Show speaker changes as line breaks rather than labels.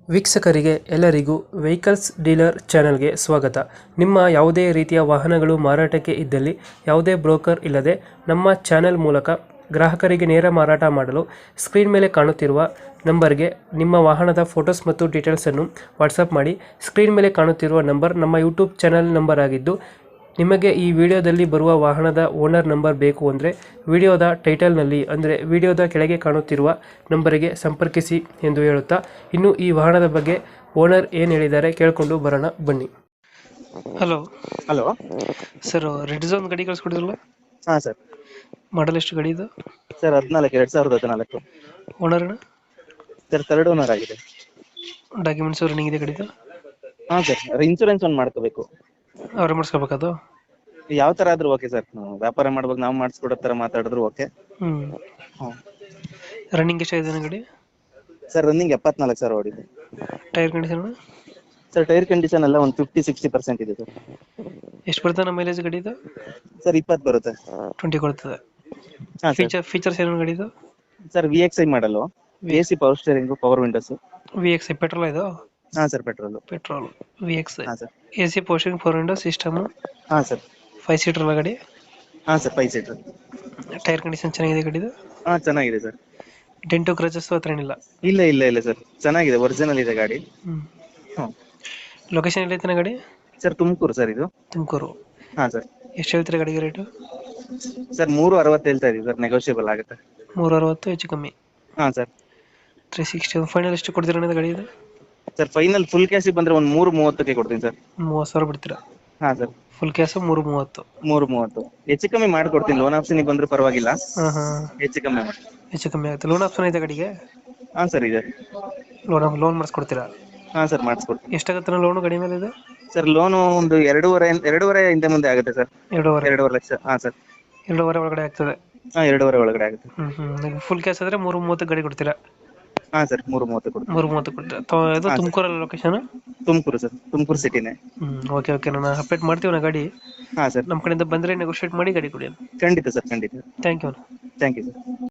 ವೀಕ್ಷಕರಿಗೆ ಎಲ್ಲರಿಗೂ vehicles dealer ಚಾನೆಲ್ಗೆ ಸ್ವಾಗತ. ನಿಮ್ಮ ಯಾವುದೇ ರೀತಿಯ ವಾಹನಗಳು ಮಾರಾಟಕ್ಕೆ ಇದ್ದಲ್ಲಿ ಯಾವುದೇ ಬ್ರೋಕರ್ ಇಲ್ಲದೆ ನಮ್ಮ ಚಾನೆಲ್ ಮೂಲಕ ಗ್ರಾಹಕರಿಗೆ ನೇರ ಮಾರಾಟ ಮಾಡಲು ಸ್ಕ್ರೀನ್ ಮೇಲೆ ಕಾಣುತ್ತಿರುವ ನಂಬರ್ಗೆ ನಿಮ್ಮ ವಾಹನದ ಫೋಟೋಸ್ ಮತ್ತು ಡೀಟೇಲ್ಸನ್ನು ವಾಟ್ಸಪ್ ಮಾಡಿ. ಸ್ಕ್ರೀನ್ ಮೇಲೆ ಕಾಣುತ್ತಿರುವ ನಂಬರ್ ನಮ್ಮ ಯೂಟ್ಯೂಬ್ ಚಾನೆಲ್ ನಂಬರ್ ಆಗಿದ್ದು, ನಿಮಗೆ ಈ ವಿಡಿಯೋದಲ್ಲಿ ಬರುವ ವಾಹನದ ಓನರ್ ನಂಬರ್ ಬೇಕು ಅಂದರೆ ವಿಡಿಯೋದ ಟೈಟಲ್ನಲ್ಲಿ ಅಂದರೆ ವಿಡಿಯೋದ ಕೆಳಗೆ ಕಾಣುತ್ತಿರುವ ನಂಬರಿಗೆ ಸಂಪರ್ಕಿಸಿ ಎಂದು ಹೇಳುತ್ತಾ, ಇನ್ನು ಈ ವಾಹನದ ಬಗ್ಗೆ ಓನರ್ ಏನು ಹೇಳಿದ್ದಾರೆ ಕೇಳಿಕೊಂಡು ಬರೋಣ ಬನ್ನಿ. Hello
hello
sir, red zone ಗಾಡಿ ಕಳಿಸ್ಕೊಡಿದ್ರಲ್ಲ,
ಹಾ ಸರ್.
ಮಾಡಲ್ ಎಷ್ಟು ಗಾಡಿ ಇದು?
Sir 2014
owner
sir. Third owner ಆಗಿದೆ.
ಡಾಕ್ಯುಮೆಂಟ್ಸ್ ರನ್ನಿಂಗ್ ಇದೆ ಗಾಡಿದು?
ಹಾ ಸರ್, ಇನ್ಶೂರೆನ್ಸ್ ಒಂದು ಮಾಡ್ಕೋಬೇಕು.
ಅವ್ರೆ ಮಾಡಿಸ್ಕೋಬೇಕದು?
ಯಾವ ತರ ಆದ್ರೂ ಓಕೆ ಸರ್. ನಾವು ವ್ಯಾಪಾರ ಮಾಡ್ಬೇಕು, ನಾವು ಮಾಡಿಸ್ಕೊಡೋ ತರ ಮಾತಾಡಿದ್ರು ಓಕೆ.
ರನ್ನಿಂಗ್ ಎಷ್ಟಾಗಿದೆ ಗಾಡಿ?
ಸರ್ ರನ್ನಿಂಗ್ 74 ಓಡಿದೆ.
Tyre condition
sir tyre condition ಎಲ್ಲ ಒಂದು 50-60% ಇದೆ ಸರ್.
ಎಷ್ಟು ಬರ್ತದೆ ನಮ್ಮ ಮೈಲೇಜ್ ಗಾಡಿದು?
ಸರ್ 20 ಬರುತ್ತೆ.
20 ಕೊಡ್ತದೆ.
ಹಾ ಸರ್.
ಫೀಚರ್ಸ್ ಏನು ಗಾಡಿದು?
Sir VXI model, AC power steering, power windows.
VXI petrol ಇದು?
ಹಾ ಸರ್, ಪೆಟ್ರೋಲ್.
VXI.
ಹಾ sir.
AC portion, 4 window system.
ಹಾ ಸರ್.
5 ಸೀಟರ್ ಅಲ್ಲ ಗಾಡಿ?
ಹಾ ಸರ್, 5 ಸೀಟರ್.
ಟೈರ್ ಕಂಡೀಷನ್ ಚೆನ್ನಾಗಿದೆ ಗಾಡಿದು?
ಹಾ ಚೆನ್ನಾಗಿದೆ ಸರ್.
ಡೆಂಟು ಕ್ರಚಸ್ ಹತ್ರ ಏನಿಲ್ಲ?
ಇಲ್ಲ ಸರ್, ಚೆನ್ನಾಗಿದೆ, ಒರಿಜಿನಲ್ ಇದೆ ಗಾಡಿ.
ಲೊಕೇಶನ್ ಎಲ್ಲೈತೆ ಗಾಡಿ?
ಸರ್ ತುಮಕೂರು ಸರ್ ಇದು.
ತುಮಕೂರು.
ಹಾ ಸರ್.
ಎಷ್ಟು ಹೇಳ್ತೀರಾ ಗಾಡಿಗೆ ರೇಟು?
ಸರ್ 360 ಹೇಳ್ತಾ ಇದೀವಿ ಸರ್, ನೆಗೋಷಿಯಬಲ್ ಆಗುತ್ತೆ.
360 ಹೆಚ್ಚು ಕಮ್ಮಿ?
ಹಾ ಸರ್.
360 ಫೈನಲ್ ಎಷ್ಟು ಕೊಡ್ತೀರಾ ಗಾಡಿ ಇದು?
ಸರ್ ಫೈನಲ್ ಫುಲ್ ಕ್ಯಾಶಿಗೆ ಬಂದ್ರೆ ಒಂದು 330ಕ್ಕೆ ಕೊಡ್ತೀನಿ ಸರ್.
30,000 ಬಿಡ್ತೀರಾ?
ಹಾ ಸರ್.
Full cash 330?
330 ಹೆಚ್ಚು ಕಮ್ಮಿ ಮಾಡ್ಕೊಡ್ತೀನಿ. ಲೋನ್ ಆಪ್ಷನ್ ಬಂದ್ರೆ ಪರವಾಗಿಲ್ಲ, ಹೆಚ್ಚು ಕಮ್ಮಿ ಮಾಡಿ.
ಹೆಚ್ಚು ಕಮ್ಮಿ ಆಗುತ್ತೆ. ಲೋನ್ ಆಪ್ಷನ್ ಇದೆ ಗಾಡಿಗೆ?
ಹಾ ಸರ್ ಇದೆ.
ಲೋನ್ ಮಾಡಿಸ್ಕೊಡ್ತೀರಾ?
ಹಾ ಸರ್, ಮಾಡಿಸ್ಕೊಡ್ತೀನಿ.
ಎಷ್ಟಾಗುತ್ತೆ ಲೋನು ಗಾಡಿ ಮೇಲೆ ಇದು?
ಸರ್ ಲೋನು ಒಂದು 2.5 ಹಿಂದೆ ಮುಂದೆ ಆಗುತ್ತೆ ಸರ್. 2.5 ಲಕ್ಷ. ಹಾ ಸರ್.
2.5 ಒಳಗಡೆ ಆಗ್ತದೆ?
ಹಾ 2.5 ಒಳಗಡೆ ಆಗುತ್ತೆ.
ಫುಲ್ ಕ್ಯಾಶ್ ಆದ್ರೆ 330 ಗಾಡಿ ಕೊಡ್ತೀರಾ?
ಹಾ ಸರ್, 330 ಕೊಡ್ತೀನಿ.
330 ಕೊಡ್ತೀರಾ? ಇದು ತುಮಕೂರಲ್ಲಿ ಲೊಕೇಶನ್?
ತುಮಕೂರು ಸರ್, ತುಮಕೂರು ಸಿಟಿನೇ.
ಓಕೆ ನಾನು ಅಪ್ಡೇಟ್ ಮಾಡ್ತೀವಿ ನಾ ಗಾಡಿ.
ಹಾ ಸರ್.
ನಮ್ಮ ಕಡೆಯಿಂದ ಬಂದರೆ ನೆಗೋಷಿಯೇಟ್ ಮಾಡಿ ಗಾಡಿ ಕೊಡಿ.
ಖಂಡಿತ ಸರ್, ಖಂಡಿತ.
Thank you.
Thank you sir.